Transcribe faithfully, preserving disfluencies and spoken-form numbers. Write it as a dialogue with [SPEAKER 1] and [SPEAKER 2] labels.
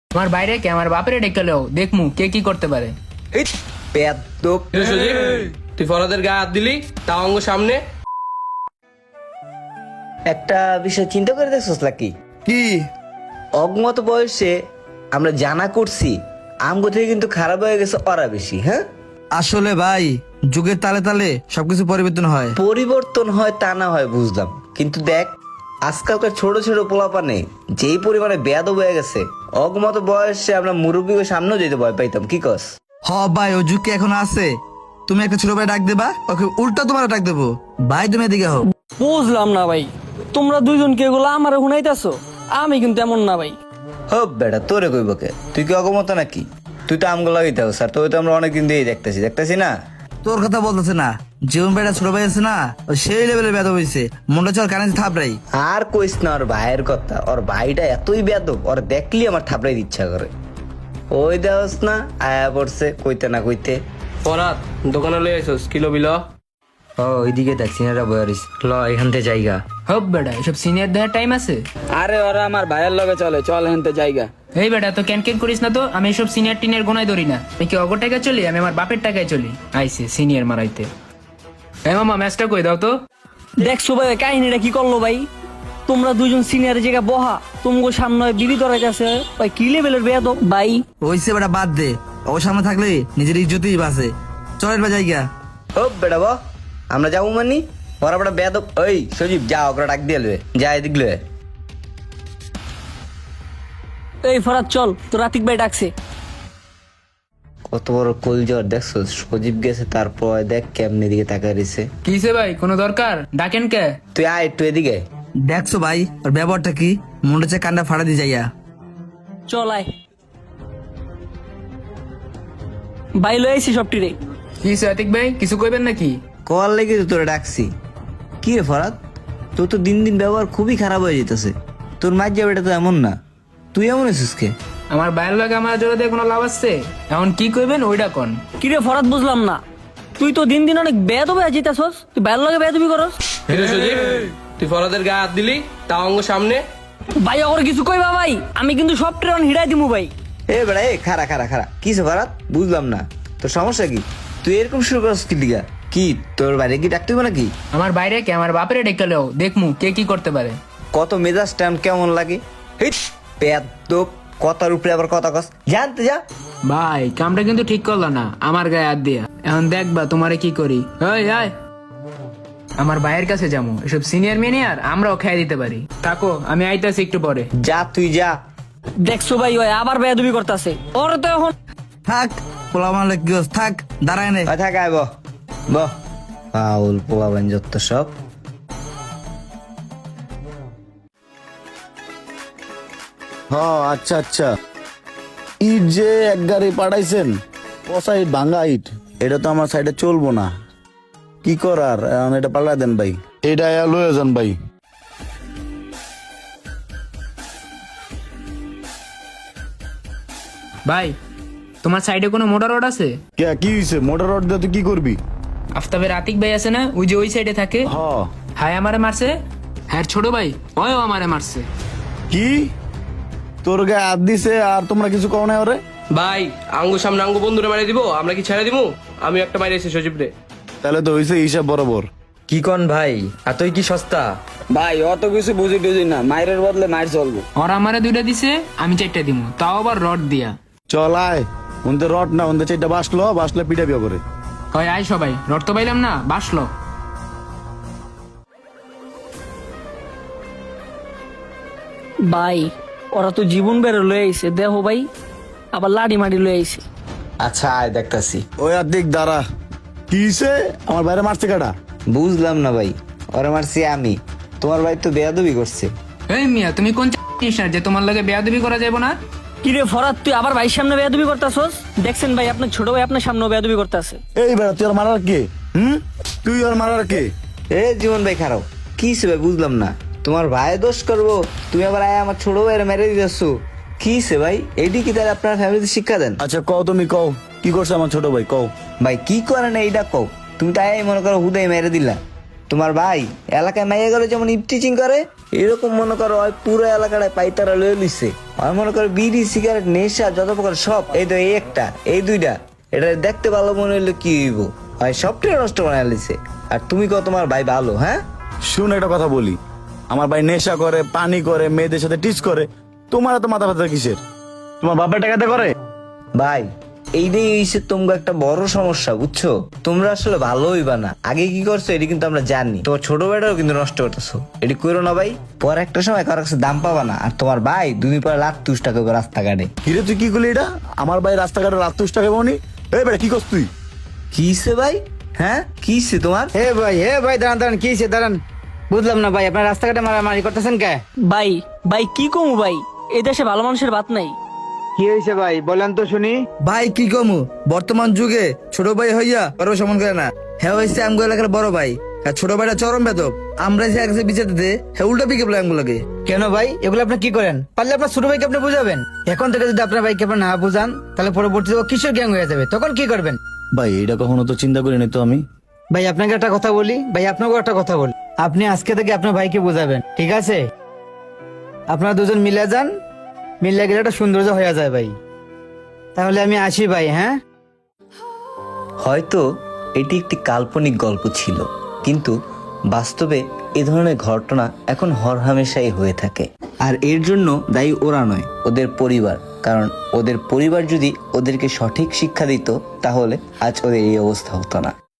[SPEAKER 1] তোমার বাইরে কে আমার বাপের ডেকে লো দেখমু কে কি করতে পারে।
[SPEAKER 2] এই পেদ্দপ।
[SPEAKER 3] এ সজীব, তুই ফরাদের গায়ে হাত দিলি তাও অঙ্গ সামনে।
[SPEAKER 2] একটা বিষয় চিন্তা করে দেখছস নাকি?
[SPEAKER 4] কি?
[SPEAKER 2] অগমত বয়সে আমরা জানা করছি আমগো থেকে কিন্তু খারাপ হয়ে গেছে ওরা বেশি। হ্যাঁ,
[SPEAKER 4] আসলে ভাই যুগের তালে তালে সবকিছু পরিবর্তন হয়।
[SPEAKER 2] পরিবর্তন হয় তা না হয় বুঝলাম, কিন্তু দেখ আজকালকার ছোট ছোট পোলাপানে যেই পরিমাণে বেয়াদব হয়ে গেছে, অগমত বয়সে আমরা মুরব্বীকে সামনেও যেতে ভয় পাইতাম। কি কস?
[SPEAKER 4] হ ভাই, ও যুগ কি এখন আছে? তুমি একটা ছোট ভাই ডাক দেবা, ওকে উল্টা তোমার ডাক দেবো। ভাই তুমি এদিকে হও।
[SPEAKER 5] বুঝলাম না ভাই, তোমরা দুইজন কে এগুলো আমার শুনাইতেছো? আমি কিন্তু এমন না ভাই।
[SPEAKER 2] হব বেটা, তোরে কইবকে? তুই কি অগমত নাকি? তুই তো আমগুলো লাগাইতে স্যার, তোর তো আমরা অনেকদিন দিয়েই দেখতেছি দেখতেছি না।
[SPEAKER 4] তোর কথা বলতেছে না, জীবন ভাইটা ছোট ভাই আছে না, ও সেই লেভেলে বেদ হয়েছে। মনটা চল কানে থাপড়াই।
[SPEAKER 2] আর কইস না ওর ভাইয়ের কথা, ওর ভাইটা এতই বেয়াদব, ওর দেখলি আমার থাপড়াই ইচ্ছা করে। ওই দেওস না আয়া পড়ছে কইতে না কইতে।
[SPEAKER 3] ফরাদ, দোকানে লই আইছস কিলো বিল?
[SPEAKER 2] ও ওইদিকে দেখ সিনারা বয়ারিস, ল এখান থেকে জায়গা।
[SPEAKER 1] হব বেটা, এসব সিনিয়র দেওয়ার টাইম আছে?
[SPEAKER 5] আরে ওরা আমার ভাইয়ের লগে চলে, চল হেনতে জায়গা।
[SPEAKER 1] এই বেটা তো ক্যান ক্যান করিস না তো, আমি এসব সিনিয়র টিনের গোনায় ধরি না। আমি কি অগর টাকায় চলি? আমি আমার বাপের টাকায় চলি। আইসে সিনিয়র মারাইতে। এই মামা ম্যাচটা কই দাও তো।
[SPEAKER 5] দেখছো ভাই কাহিনীটা কি করলো ভাই? তোমরা দুজন সিনিয়র জায়গা বহা, তোমাকে সামনে বিবি ধরাইতেছে ভাই, কি লেভেলের বেয়াদ ভাই।
[SPEAKER 4] হইছে বেটা, বাদ দে। ও সামনে থাকলে নিজের ইজ্জতই বাঁচে। চল এবার জায়গা।
[SPEAKER 2] ও বেটা ব, আমরা যাবো মানি ওরা বেটা বেয়াদব। ওই সজীব যা, ওকে ডাক দিয়ে লয়ে যা, এদিক লয়ে।
[SPEAKER 5] এই ফরাত চল, তো রাতিক ভাই ডাকছে।
[SPEAKER 2] কত বড় কলজর দেখছো, সজীব গেছে তারপর দেখ কেমনি দিকে তাকায় রয়েছে।
[SPEAKER 1] কিসে ভাই, কোনো দরকার? ডাকেন কে?
[SPEAKER 2] তুই আয় একটু এদিকে।
[SPEAKER 4] দেখছো ভাই ওর ব্যবহারটা কি? মনটা চায় কান্ডা ফাড়া দিয়ে যাইয়া।
[SPEAKER 5] চল আয় ভাই, লই আইছি সবটি রে।
[SPEAKER 1] কিসে আতিক ভাই, কিছু কইবেন নাকি?
[SPEAKER 2] কল লেগে তো তোরা ডাকছি। কি রে ফরাদ, তোর তো দিন দিন ব্যবহার খুবই খারাপ হয়ে যেতেছে। তোর মার যাবে এটা তো এমন না, তুই এমন আছিস কে?
[SPEAKER 1] আমার বাইরের লাগে আমার জোরে দিয়ে কোনো লাভ আছে? এখন কি কইবেন ওইটা কোন।
[SPEAKER 5] কিরে ফরাত, বুঝলাম না। তুই তো দিন দিন অনেক বেয়াদব হয়ে যেতেছস, তুই ভাইয়ের লগে বেয়াদবি করস।
[SPEAKER 3] এ সজীব, তুই ফরাদের গায়ে হাত দিলি তাও অঙ্গ সামনে।
[SPEAKER 5] ভাই ওর কিছু কইবা ভাই, আমি কিন্তু সব ট্রেন হিড়াই দিমু ভাই।
[SPEAKER 2] এ বেড়া এ খারা খারা খারা, কিসে ফরাদ বুঝলাম না। তোর সমস্যা কি? তুই এরকম শুরু করস কি লিগা? কি তোর বাইরে কি ডাকতে হবে নাকি?
[SPEAKER 1] আমার বাইরে কে আমার বাপের ডেকে লো দেখমু কে কি করতে পারে।
[SPEAKER 2] কত মেজাজ টাইম কেমন লাগে? হিট পেদ্দপ, কথার উপরে আবার কথা কস, জানতে যা।
[SPEAKER 1] ভাই কামটা কিন্তু ঠিক করলো না, আমার গায়ে হাত দিয়া। এখন দেখবা তোমারে কি করি। ওই আয়, আমার ভাইয়ের কাছে যাবো, এসব সিনিয়র মিনিয়র আমরাও খেয়ে দিতে পারি। থাকো, আমি আইতাছি একটু পরে।
[SPEAKER 2] যা তুই যা।
[SPEAKER 5] দেখছো ভাই ওই আবার বেয়াদবি করতেছে। ওর তো এখন
[SPEAKER 4] থাক পোলা মারলে কি হস, থাক দাঁড়ায় নে।
[SPEAKER 2] ওই থাক আয়, বহ বহ। পাউল পোয়াবেন যত সব।
[SPEAKER 6] হ্যাঁ আচ্ছা আচ্ছা, ইট যে এক গাড়ি পাঠাইছেন, পচা ইট ভাঙ্গা ইট, এটা তো আমার সাইডে চলবো না। কি করার, এখন এটা পাল্টা দেন ভাই, এটা লয়ে যান ভাই।
[SPEAKER 1] ভাই তোমার সাইডে কোনো মোটর রোড আছে?
[SPEAKER 6] কে কি হয়েছে? মোটর রড দিয়ে তুই কি করবি?
[SPEAKER 1] আফতাবের আতিক ভাই আছে না, ওই যে ওই সাইডে থাকে।
[SPEAKER 6] হ
[SPEAKER 1] হায় আমারে মারছে। হ্যাঁ ছোট ভাই, ওই আমারে মারছে।
[SPEAKER 6] কি তোর গায়ে হাত দিছে আর তোমরা কিছু কও না ওরে?
[SPEAKER 3] ভাই আঙ্গু সামনে আঙ্গু বন্ধুরে মারিয়ে দিব, আমরা কি ছেড়ে দিব? আমি একটা মাইরে এসে সজীব রে।
[SPEAKER 6] তাহলে তো হয়েছে হিসাব বরাবর।
[SPEAKER 2] কি কন ভাই, এতই কি সস্তা?
[SPEAKER 7] ভাই অত কিছু বুঝি টুঝি না, মায়ের বদলে মায়ের চলবো।
[SPEAKER 1] ওরা আমারে দুইটা দিছে, আমি চারটা দিব, তাও আবার রড দিয়া।
[SPEAKER 6] চল আয়, উনতে রড না উনতে চাইটা বাসলো, বাসলে পিঠা বিয়া করে।
[SPEAKER 1] কয় আয় সবাই, রড তো পাইলাম না, বাসলো।
[SPEAKER 5] ভাই ওরা তো জীবন বেরো লয়ে আইছে, দেখো ভাই আবার লাড়ি মাড়ি লয়ে আইছে।
[SPEAKER 2] আচ্ছা আয় দেখতাছি।
[SPEAKER 6] ওই আর দিক দাঁড়া, কি হয়েছে? আমার বাইরে মারছে কাটা?
[SPEAKER 2] বুঝলাম না ভাই, ওরা মারছি আমি, তোমার ভাই তো বেয়াদবি করছে।
[SPEAKER 1] এই মিয়া তুমি কোন জিনিস না যে তোমার লাগে বেয়াদবি করা যাবে না?
[SPEAKER 5] কিরে ফরাত, তুই আবার ভাইয়ের সামনে বেয়াদবি করতেছস? দেখছেন ভাই আপনার ছোট ভাই আপনার সামনে বেয়াদবি করতেছে।
[SPEAKER 6] এই বেড়া তুই আর মারার কে? হুম, তুই আর মারার কে?
[SPEAKER 2] এ জীবন ভাই খারাপ, কি হইছে ভাই বুঝলাম না। তোমার ভাই দোষ করবো, তুমি আবার আয় আমার ছোট ভাইয়ের মেরে দিতেছো। কি হইছে ভাই, এটি কি তাহলে আপনার ফ্যামিলিতে শিক্ষা দেন?
[SPEAKER 6] আচ্ছা কও, তুমি কও কি করছে আমার ছোট ভাই, কও।
[SPEAKER 2] ভাই কি করে না এইটা কও। তুমি তাই মনে করো হুদাই মেরে দিলা। তোমার ভাই এলাকায় মাইয়া গেলে যেমন ইপটিচিং করে, এরকম মনে করো ওই পুরো এলাকাটায় পাইতারা লয়ে লিছে আর মনে করো বিড়ি সিগারেট নেশা যত প্রকার সব এই তো এই একটা এই দুইটা এটা দেখতে ভালো মনে হইলো কি হইব হয় সবটাই নষ্ট বানায় লিছে আর তুমি কত তোমার ভাই ভালো হ্যাঁ
[SPEAKER 6] শুন একটা কথা বলি, আমার ভাই নেশা করে, পানি করে, মেয়েদের সাথে টিচ করে, তোমার এত মাথা ব্যথা কিসের? তোমার বাপের টাকাতে করে?
[SPEAKER 2] ভাই এইটাই হইছে তোমার একটা বড় সমস্যা বুঝছো, তোমরা আসলে ভালো হইবা না। আগে কি করছো এটি কিন্তু আমরা জানি, তোমার ছোট ভাইটাও কিন্তু নষ্ট করতেছো, এটি করো না ভাই, পর একটা সময় কারো কাছে দাম পাবা না। আর তোমার ভাই দুদিন পরে লাখ তুষ টাকা করে রাস্তাঘাটে।
[SPEAKER 6] কিরে তুই কি করলি এটা? আমার ভাই রাস্তাঘাটে রাত তুষ্ট টাকা পাবনি? এই বেটা কি করছ তুই?
[SPEAKER 2] কিসে ভাই? হ্যাঁ কিসে তোমার?
[SPEAKER 7] হে ভাই হে ভাই দাঁড়ান দাঁড়ান কি হয়েছে দাঁড়ান, বুঝলাম না ভাই আপনার রাস্তাঘাটে মারামারি করতেছেন কে?
[SPEAKER 5] ভাই ভাই কি কমু ভাই, এই দেশে ভালো মানুষের বাত নাই।
[SPEAKER 7] কি হয়েছে ভাই বলেন তো শুনি।
[SPEAKER 4] ভাই কি কমু, বর্তমান যুগে ছোট ভাই হইয়া বড় সমান করে না। হ্যাঁ হয়েছে আমগো এলাকার বড় ভাই, আর ছোট ভাইটা চরম বেদব। আমরা এসে একসাথে বিচার দিতে হ্যাঁ উল্টা পিকে বলে আমগুলোকে।
[SPEAKER 7] কেন ভাই এগুলো আপনি কি করেন? পারলে আপনার ছোট ভাইকে আপনি বুঝাবেন। এখন থেকে যদি আপনার ভাইকে আপনি না বুঝান তাহলে পরবর্তীতে ও কিশোর গ্যাং হয়ে যাবে, তখন কি করবেন?
[SPEAKER 6] ভাই এটা কখনো তো চিন্তা করিনি তো আমি।
[SPEAKER 7] ভাই আপনাকে একটা কথা বলি, ভাই আপনাকেও একটা কথা বলি, আপনি আজকে থেকে আপনার ভাইকে বুঝাবেন, ঠিক আছে? আপনারা দুজন মিলে যান, মিলে গেলে একটা সৌন্দর্য হয়ে যায় ভাই। তাহলে আমি আসি ভাই। হ্যাঁ
[SPEAKER 2] হয়তো এটি একটি কাল্পনিক গল্প ছিল, কিন্তু বাস্তবে এ ধরনের ঘটনা এখন হরহামেশাই হয়ে থাকে। আর এর জন্য দায়ী ওরা নয়, ওদের পরিবার। কারণ ওদের পরিবার যদি ওদেরকে সঠিক শিক্ষা দিত তাহলে আজ ওদের এই অবস্থা হতো না।